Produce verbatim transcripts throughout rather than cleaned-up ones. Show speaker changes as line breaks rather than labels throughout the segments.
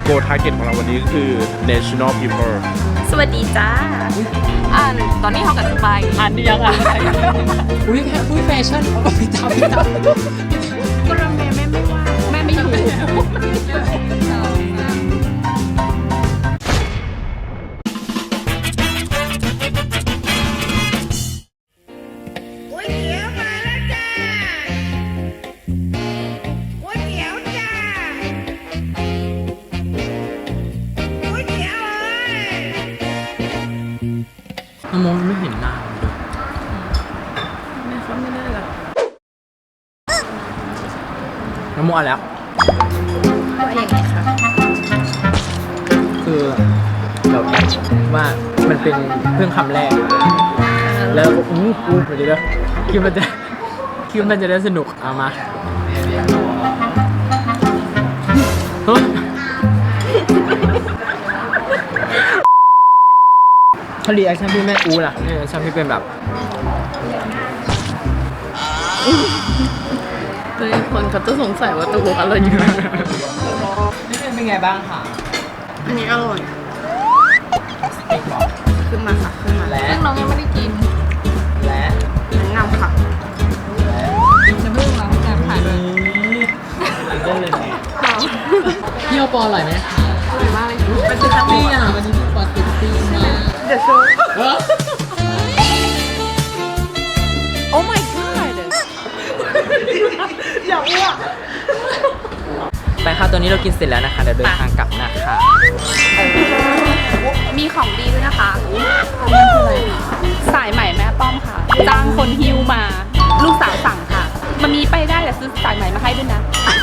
Go Target ของเราวันนี้ก็คือ National People
สวัสดีจ้าอ่านตอนนี้เขากับสบายอ่านยังอ่ะ
อุ้ยอุ้ยแฟชั่นเอาไปทำไปทำ
ก็รำแม่แม่ไม่ว่าแม่ไม่อยู่
มองไม่เห็นหน้าเลย
แม่เขาไม่ได้หรอก
น้ำมันแล้ว
ว่าอย่างไรคะ
คือแบบว่ามันเป็นเพิ่งคำแรกแล้วอู้อู้เดี๋ยวเดี๋ยวคิดมันจะคิดมันจะได้สนุกเอามาถ้ารีแอคชั่นพี่แม่อูล่ะรีแอคชั่นพี่เป็นแบบ
เลยคนเขาจะสงสัยว่าตัวบุกอะไรอยู่
นี่เป็นไงบ้างค่ะ
อันนี้อร่อยขึ้นมาค่ะขึ้นมา
และ
น้องยังไม่ได้กิน
และ
งามค่ะจะเพิ่งล้างจานถ่ายด้วย
ได้เลยพี่โอปออร่อยไหมคะ
อร่อยมากเลย
มันคือทัพปี้อ่ะวันนี้พี่ปอติดตี้มาก
เดี๋ยวโชว์โอ้ my god อย่าอ้วก
ไปค่ะตอนนี้เรากินเสร็จแล้วนะคะเดี๋ยวเดินทางกลับนะคะ
มีของดีด้วยนะคะสายใหม่แม่ป้อมค่ะจ้างคนฮิวมาลูกสาวสั่งค่ะมันมีไปได้แต่ซื้อสายใหม่มาให้ด้วยนะ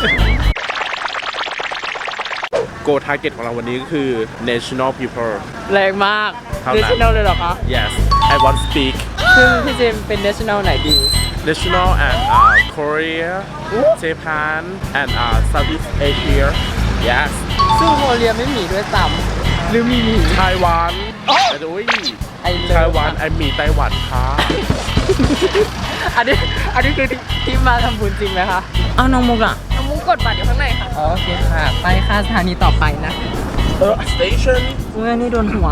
Go Target ของเราวันนี้ก็คือ National People
แรงมาก National เลยเหรอคะ
Yes I want speak
ซึ่งพี่เจมเป็น National ไหนดี
National and uh, Korea Japan and uh, Southeast Asia Yes
ซึ่งโคเรียไม่มีด้วยซ้ำหรือมีมี
Taiwan แต่ด้วย Taiwan ไอมีไต้หวันค่ะ
อันนี้อันนี้คือที่มาทำบุญจริงไหมคะอ้าวน้องมุกอ่ะ
น้องมุกกดบัตรอยู่ข้างในค่ะ
โอเคค่ะไปค่ะสถานีต่อไปนะ
เออ station
เมื่อนี่โดนหัว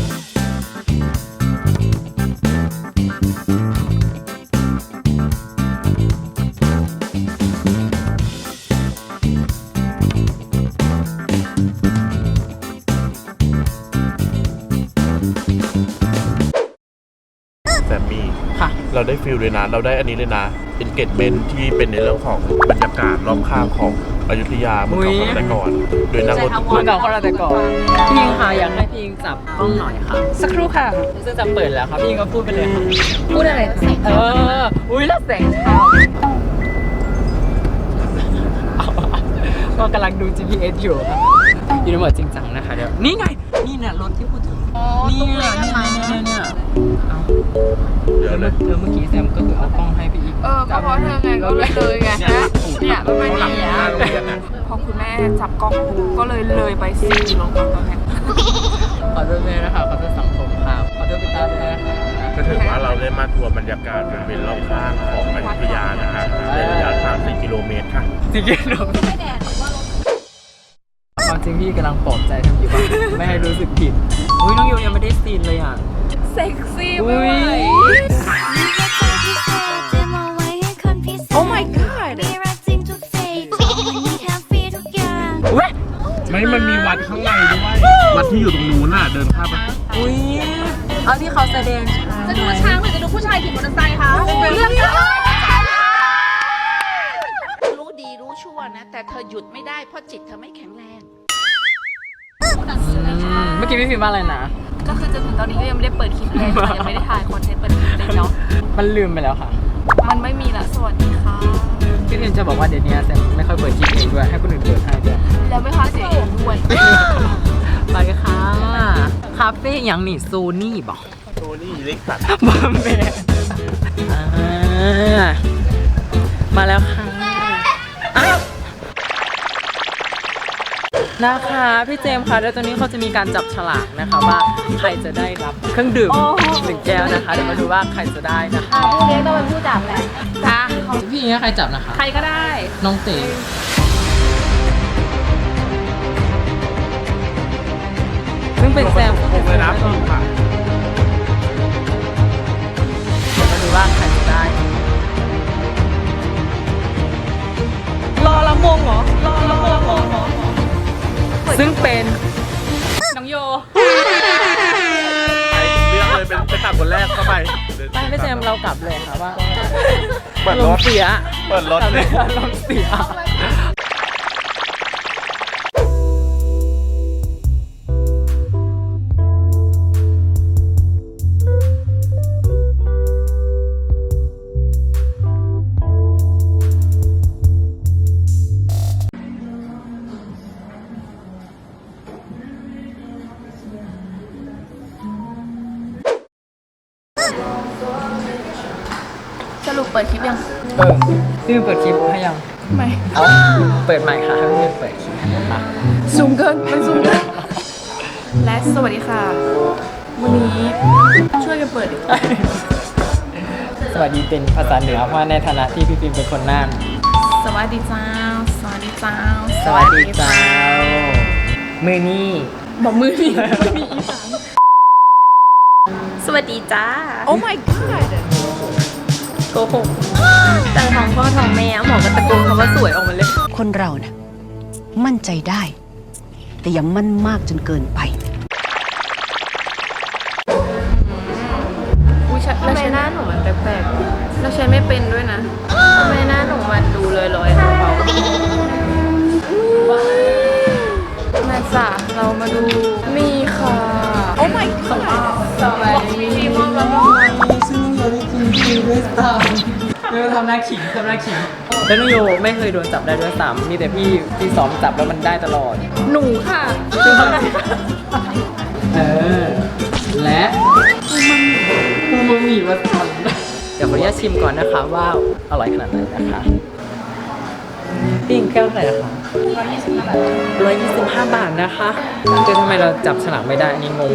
แซมมี่
ค่ะ
เราได้ฟิลเลยนะเราได้อันนี้เลยนะ engagement ที่เป็นในเรื่องของบรรยากาศรอบข้างของอยุธยาเมื่อก่อนแต่ก่อนโดยนั่งรถ
เมื่อก่อนเขาแต่ก่อนพี่ยิงค่ะอยากให้พี่ยิงจับกล้องหน่อยค่ะ
สักครู่ค่ะ
ซึ่งจะเปิดแล้วครับพี่ยิงก็พูดไปเลยค่ะ
พูดอะไร
เอออุ้ยแล้วแสงเช้าก็กำลังดู จี พี เอส อยู่ครับอยู่ในโหมดจริงจังนะคะเดี๋ยวนี่ไงนี่เนี่ยรถที่พูดถึงนี่เนี่ยนี่เนี่ยเนี่ย
เดี๋ยวเลย
เธอเมื่อกี้แซมก็คือเอากล้องให้พี่อีก
เออก็เพราะเธอไงก็เลยเลยไงนะเนี่ยมันไม่ดีอ่ะพอคุณแม่จับกล้องกูก็เลยเลยไปสี่กิโลกรัมตอนนี้
ขอโทษเลยนะคะขอโทษสังคมค่ะขอโทษพี่ตาด้วยนะคะ
ก็ถือว่าเราได้มาทัวร์บรรยากาศบริเวณรอบข้างของอยุธยานะฮะในระยะทางสี่กิโลเมตรค่ะ
สี่กิโลเมตรความจริงพี่กำลังปลอบใจทำอยู่บ้างไม่ให้รู้สึกผิดอุ้ยน้องโยยังไม่ได้ซีนเลยอ่ะ
เซ็กซี่ไม่ไหวโอ้ my god
ไม่มันมีวัดข้างในด้วยวัดที่อยู่ตรงนู้นน่ะเดินข้ามไป
อุ้ยเอาที่เขาแสดง
จะดูช้างหรือจะดูผู้ชายขี่มอเตอร์ไซค์คะเรื่อง
รู้ดีรู้ชั่วนะแต่เธอหยุดไม่ได้เพราะจิตเธอไม่แข็งแรง
เมื่อกี้พี่พิมพ์ว่าอะไรนะ
ก็คือจนถึงตอนนี้ก็ยังไม่ได้เปิดคลิปเลยยังไม่ได้ถ่ายคอนเทนต์เปิดคลิปเลยเนาะ
มันลืมไปแล้วค่ะ
มันไม่มีละสวัสดีค่ะ
พี่พิมพ์จะบอกว่าเดี๋ยวนี้แซมไม่ค่อยเปิดคลิปเองด้วยให้คนอื่นเปิดให้ด้วย
แล้วไม่ค่อยเสียเองด้วย
ไปค่ะคาเฟ่ยังนี่โซนี่บอก
โซนี่เล็กสัตว์
บอมเบมาแล้วค่ะนะคะพี่เจมส์ค่ะแล้วตอนนี้เขาจะมีการจับฉลากนะคะว่าใครจะได้รับเครื่องดื่มหนึ่งแก้วนะคะเดี๋ยวมาดูว่าใครจะได้นะคะ
ผู้เลี้ยงต้องเป็นผู้จับแหละ
จ้าพี่นี้ใครจับนะคะ
ใครก็ได้
น้องเต๋เป็นแซม
ผมเลยนะพิมพ์ค่ะ
มาดูว่าใครจะได้
รอละมงเหรอ รอละมงละมงเหรอ
ซึ่งเป็น
น้องโย
เลือกเลยเป็นเป็นตัดคนแรกเข้าไป
ไม่ไม่แซมเรากลับเลยค่ะว่า
เปิด
ล
ร
ม
ถ
เสีย
เปิดรถ
กลับเลยลมเสีย
สรุปเปิดคลิปยัง
เออพี่เปิดคลิปให้ยัง
ไม่
เอาเปิดใหม่ค่ะให้พี่เปิดคลิปให้นะคะ
ซูมเกินมันซูมเกินและสวัสดีค่ะ วันนี้ช่วยกันเปิด
สวัสดีเป็นภาษาเหนือเพราะว่าในฐานะที่พี่ปิมเป็นคนน่าน
สวัสดีเจ้า สวัสดีเจ้า
สวัสดีเจ้ามือนี้
บอกมือนี่ไม่มีอีสานสวัสดีจ้า โอ้ my god โกหกแต่ท้องพ่อท้องแม่หมอก็ตะโกนคำว่าสวยออกมาเลย
คนเรานะ่ะมั่นใจได้ แต่อย่ามั่นมากจนเกินไป
อุ้ยทำไมหน้าหนูมันแปลกๆแล้วใช้ไม่เป็นด้วยนะทำไมหน้าหนูมันดูลอยๆเบาๆมาจ้ะเรามาดูนี่ค่ะ โอ้ my god สวัสดีพี่มอมแล้วก็
ซึ่งน้องโยได้กินคิวด้วยซ้ำเดี๋ยวทำหน้าขิงทำหน้าขิงแล้วน้องโยไม่เคยโดนจับได้ด้วยซ้ำมีแต่พี่ที่ซ้อมจับแล้วมันได้ตลอด
หนูค่ะ
ซึ่งเขาได้เออและปูมามีมาทำเดี๋ยวขออนุญาตชิมก่อนนะคะว่าอร่อยขนาดไหนนะคะปิ้งแก้วเท่าไหร่นะคะร้อยยี่สิบห้าบาทนะคะแต่ทำไมเราจับฉลากไม่ได้อันนี้งง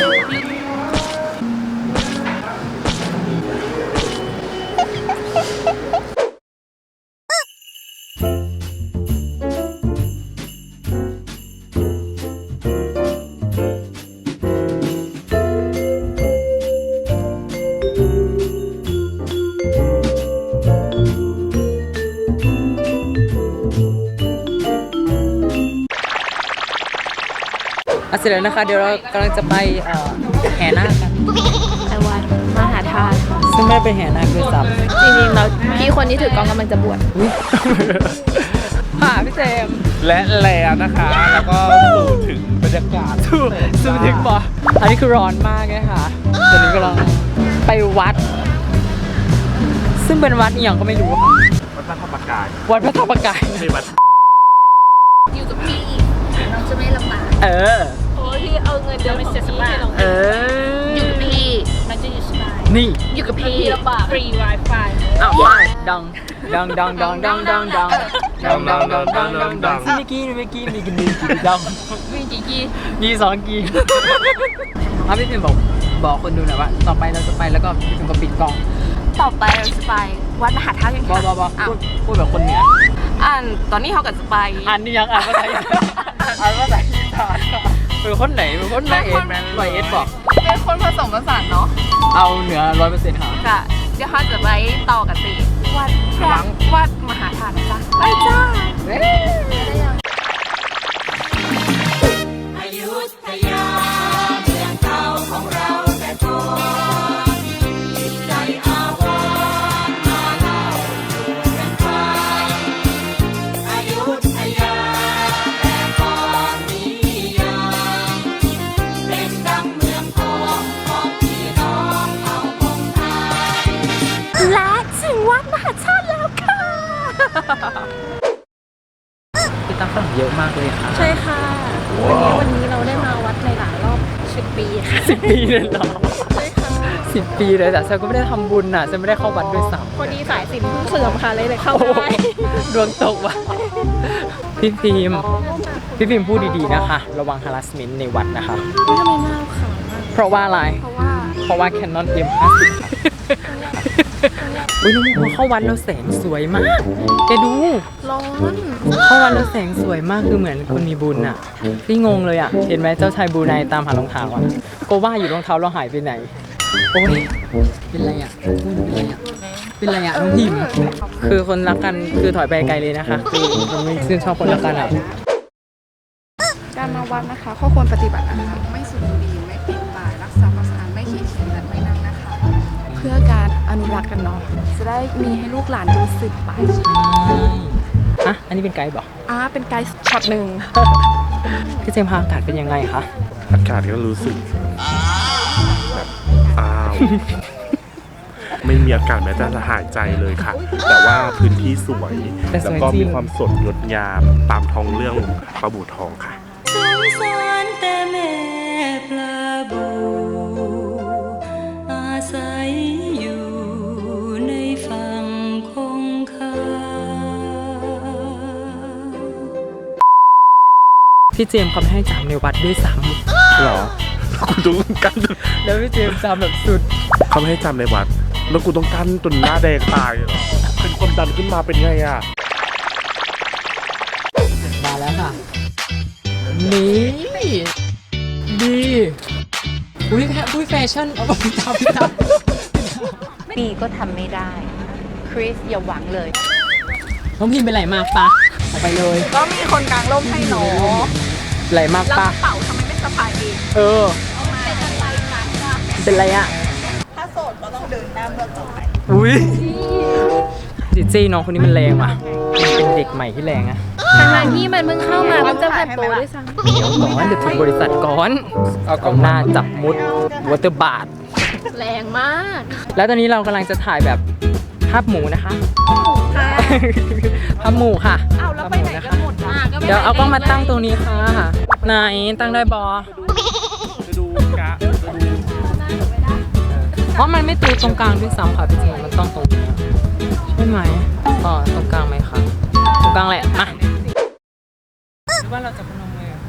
อ่ะเสร็จแล้วนะคะเดี๋ยวเรากำลังจะไปเอ่อแห่นาคกัน
ไอวันมหาธาตุ
ซึ่งไม่ได้ไปแห่นาคด้วยซ้
จริงๆแล้วพี่คนที่ถือกล้องกำลังจะบวช
ำอุ๊ยค่ะพี่เจมส์
และแล้วนะคะ แล้วก็สู่ถึงบรรยากาศ
สู้สู้ถึงปะอันนี้คือร้อนมากเลยค่ะตอนนี้กำลังไปวัด ซึ่งเป็นวัดอีกอย่างก็ไม่รู้ค่ะ
วัดพระธรรมกาย
วัดพระธรรมกาย
ไม่วัด
อยู่กับพี่เราจะไม่ลำบาก
เออ
เพราะพี่เอาเงินเดือนไปเสียสละ
เออ
อยู่กับพี่มันจะอยู่สบาย
นี่
อยู่กับพี่ลำบากฟรี Wi-Fi
อ้าวไปดังดังดังดังดังดังดังดังดังดังดังดังดังเมื่อกี้เมื่อกี้มีกี่มีกี่ดัง
มีกี่กี่
มีสองกีอ่ะพี่พิมบอกบอกคนดูหน่อยว่าต่อไปเราจะไปแล้วก็พี่พิมก็ปิดกล้อง
ต่อไปเราจะไปวัดมหาธาตุกัน
บอ
ค่ะ
บอบอ
อ้าว
พูดพูดแบบคนเหนือ
อ่านตอนนี้เขากับจะไป
อ่านนี่ยังอ่านภาษาอีสานอ่านภาษาอีสานเป็นคนไหนเป็นคนไหนเอ็ดร้อยเอ็ดบอก
เป็นคนผสมผสานเนาะ
เอาเหนือร้อยเปอร์เซ็นต์ค่ะ
ค่ะเดี๋ยวเขาจะไปต่อกันตีวัดพระวัดมหาธาตุนะจ๊ะไปจ้า
เอ๊ะ
และถึงวัดมหาธาตุแล้วค่ะ
พี่ตั้งฝรั่งเยอะมากเลยค่ะ
ใช่ค่ะวันนี้วันนี้เราได้มาวัดในหลายรอบสิบปีค่ะ
สิบปีเลยเหรอ
ใช่ค่ะ
สิบปีเลยแต่ฉันก็ไม่ได้ทำบุญอ่ะฉันไม่ได้เข้าวัดด้วยซ้ำ
พอดีสายสิญจนเสื่อมค่ะเลยเลยเข้า
โอ้โห
ได้
ดวงตกว่ะพี่ฟิล์มพี่ฟิล์มพูดดีๆนะคะ ระวัง harassment ในวัดนะคะ
ทำไมหน้าขาวมาก
เพราะว่าอะไร
เพราะว่า
เพราะว่า Canon เอ็ม ห้าสิบอุ้ยน้องพอเข้าวัดแล้วแสงสวยมากแกดู
ร้อน
เข้าวัดแล้วแสงสวยมากคือเหมือนคนมีบุญอะพี่งงเลยอะเห็นไหมเจ้าชายบรูไนตามหารองเท้าอะก็ว่าอยู่รองเท้าเราหายไปไหนโอ้ยเป็นไรอะเป็นไรอะเป็นไรอะน้องพิมพ์คือคนรักกันคือถอยไปไกลเลยนะคะคือเราไม่ชื่นชอบคนรักกันอะ
การมาวัดนะคะข้อควรปฏิบัตินะคะไม่สูบบุหรี่ไม่ปีนป่ายรักษาความสะอาดไม่ขี่เข็นและไม่นั่งนะคะ เพื่อการอนุรักษ์กันเนาะจะได้มีให้ลูกหลานดูสืบไป
อ่ะอันนี้เป็นไกด์บอก
อ่าเป็นไกด์ช็อตหนึ่ง
พี่เจมส์คะอากาศเป็นยังไงคะ
อากาศก็รู้สึกแบบอ้าว ไม่มีอากาศแม้แต่จะหายใจเลยค่ะ แต่ว่าพื้นที่สวย แล้วก็มีความสดงดงามตามท้องเรื่องปลาบูทองค่ะ
สงสารแต่แม่ปลาบูอาศัยอยู่ในฝั่งคงคา
พี่เจมส์เขาไม่ให้จำในวัดด้วยซ้
หรอ คุณต้องกั้น
ำแล้วพี่เจมส์จำแบบสุด
เขาไม่ให้จำในวัด แล้วกูต้องกั้นจนหน้าแดงตายเหรอ เป็นความดันขึ้นมาเป็นไงอ่ะ
มาแล้วค่ะ นี่ดีอุ้ยแพอุ้ยแฟชั่นเอาไปพี่ตามพี่ตาม
ปีก็ทำไม่ได้ คริสอย่าหวังเลย
น้องพิมเป็นไหลมากปะออกไปเลย
ก็มีคนกลางร่มให้หนอ
ไหลมาก
แล้ว
ปะ
กระเป๋าทำไมไม่สะพายเอง
เออ เป็นไรอ่ะ
ถ้าโสดก็ต้องเดินหน้าเมื่อต่อไป
อุ้ยจิจี้น้องคนนี้มันแรงว่ะมันเป็นเด็กใหม่ที่แรงอะ
ทางที่มันเพิ่งเข้ามาเพิ่งจะผัดโปรด้วยซ้ำ
เดี๋ยวก่อนเดี๋ยวถึงบริษัทก่อนเอากล้องหน้าจับมุดวอเตอร์บาท
แรงมาก
แล้วตอนนี้เรากำลังจะถ่ายแบบภาพหมูนะคะภาพหมูค่ะ
อ้าวแล้วไปไหนกันหมดล่ะ
เดี๋ยวเอากล้องมาตั้งตรงนี้ค่ะไหนตั้งได้บอ
จะดูกะจะดู
เพราะมันไม่ตีตรงกลางด้วยซ้ำค่ะพี่จริงมันต้องตรงนี้ใช่ไหมอ๋อตรงกลางไหมคะตรงกลางแหละมาหรือว่าเราจะพนมมือ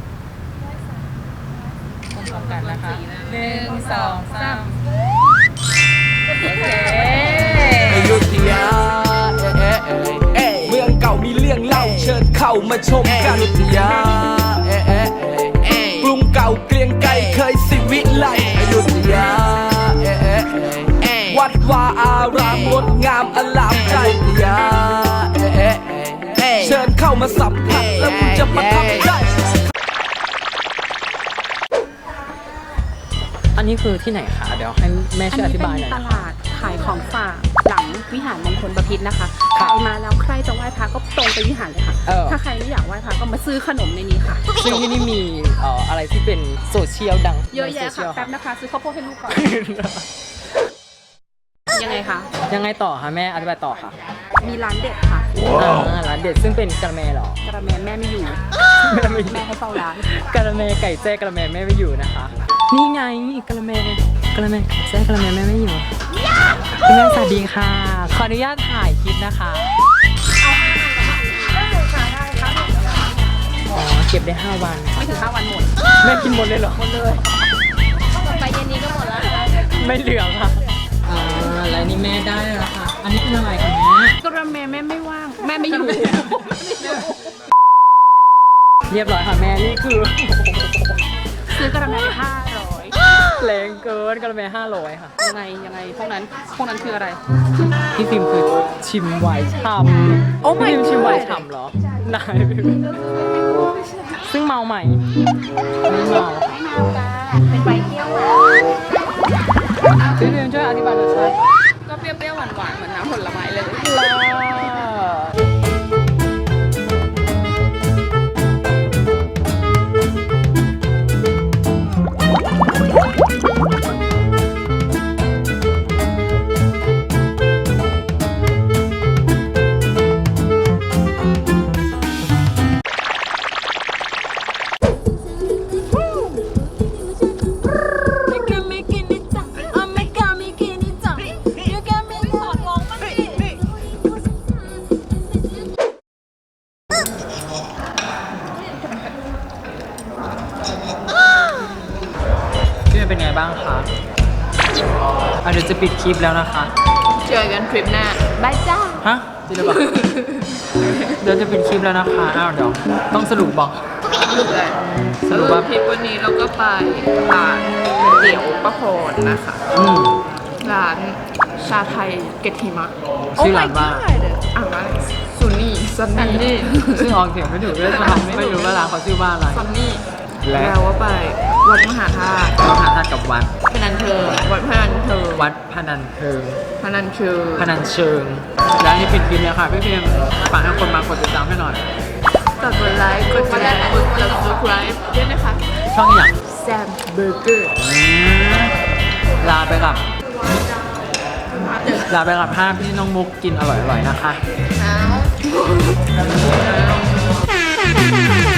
พร้อมกันนะคะหนึ่งสองสามโอเค
อยุธยาเมืองเก่ามีเรื่องเล่าเชิญเข้ามาชมกันอยุธยากรุงเก่าเกรียงไกรเคยสิวิไลอยุธยาวัดวาอารามงดงามอลามใจอยุธยาเชิญเข้ามาสัมผัสแล้วคุณจะประทับใจ
อันนี้คือที่ไหนคะเดี๋ยวให้แม่ช่วยอธิบายหน่อย
ต
นะ
ลาดขายของฝากหลังวิหารมงคลบพิตรนะคะ ใครมาแล้วใครจะไหว้พระก็ตรงไปวิหารเลยค่ะ
เออ
ถ้าใครไม่อยากไหว้พระก็มาซื้อขนมในนี้ค่ะ
ซึ่งที่นี่มีเอ่ออะไรที่เป็นโซเชียลดัง
เยอะแยะ
ในโซเชี
ค่ะ
ล
แป๊บนะคะ ซื้อข้าวโพดให้ลูกก่อน ยังไงคะ
ยังไงต่อคะแม่อธิบายต่อค่ะ
มีร้านเด็ดค่ะ
อ่าร้านเด็ดซึ่งเป็นกะละแมเหรอก
ระแมแม่ไม่อยู่
แม่ไม่อยู่
แม่ให้เฝ้าร้าน
กะละแมไก่แจ้กะละแมแม่ไม่อยู่นะคะ นี่ไงกะละแมกะละแมไก่แจ้กะละแมแม่ไม่อยู่คุณแม่สวัสดีค่ะ ขออนุญาตถ่ายคลิปนะคะอ๋อเก็บได้ห้าวัน
ไม่ถึงห้าวันหมด
แม่กินหมดเลยเหรอหมดเลย
ไปเย็นนี้ก็หมดแล้ว
ไม่เหลืองค่ะอ่าแล้วนี่แม่ได้แล้วค่ะ อันนี้เป็นอะไรคะแม่
กระแมแม่ไม่ว่าง แม่ไม่อยู่
เรียบร้อยค่ะแม่นี่คือ
ซื้อกระแมห้าร้อย
แรงเกินกะละแมห้าร้อยค่ะ
ยังไงยังไงพวกนั้นพวกนั้นคืออะไร
พี่ฟิล์มคือชิมไวน์ฉ่ำ
โอ้ my
พี่ฟิล์มชิมไวน์
god
ฉ่ำเหรอไหนซึ่งเมาใหม่ ไม่เมาค่ะ
เป็นใบเที่ยว
พี่ฟิล์มช่วยอธิบายรสชาติ
ก็เปรี้ยวๆหวานๆเหมือนน้ำผลไม้เลย
พี่ฟิล์มเป็นไงบ้างคะอ่ะเดี๋ยวจะปิดคลิปแล้วนะคะ
เจอกันทริปหน้าบายจ้า
ฮะจริงหรือเปล่า เดี๋ยวจะเป็นคลิปแล้วนะคะ อ้าวเดี๋ยวต้องสรุปบอก
สรุปว่าทริปวันนี้เราก็ไปร้านก๋วยเตี๋ยวป้าพรนะคะ
อืม
ร้านชาไทยเกตทิมะ
ชื่อร้านว่า
อ่านว่าซูนี่ซันนี่
ซึ่งออกเสียงไม่ถูกด้วยซ้ำไม่รู้ว่าร้านเขาชื่อว่าอะไร
ซันนี่
และ
แล้วว่าไปวัดมหาธาตุ
มหาธาตุกับวัด
พนันเทิงวัดพนันเทิง
วัดพนันเทิง
พนันเชิง
พนันเชิง และนี่เป็นคลิปแล้วค่ะพี่เพียมฝากให้คนมากดติดตามให้หน่อย
กดไลค์กดแชร์กด subscribe ด้วยนะคะ
ช่องอย่าง
แซมเบอร์เกอร์
ลาไปกับ ลาไปกับภาพที่น้องมุกกินอร่อยๆนะคะ
แล้ว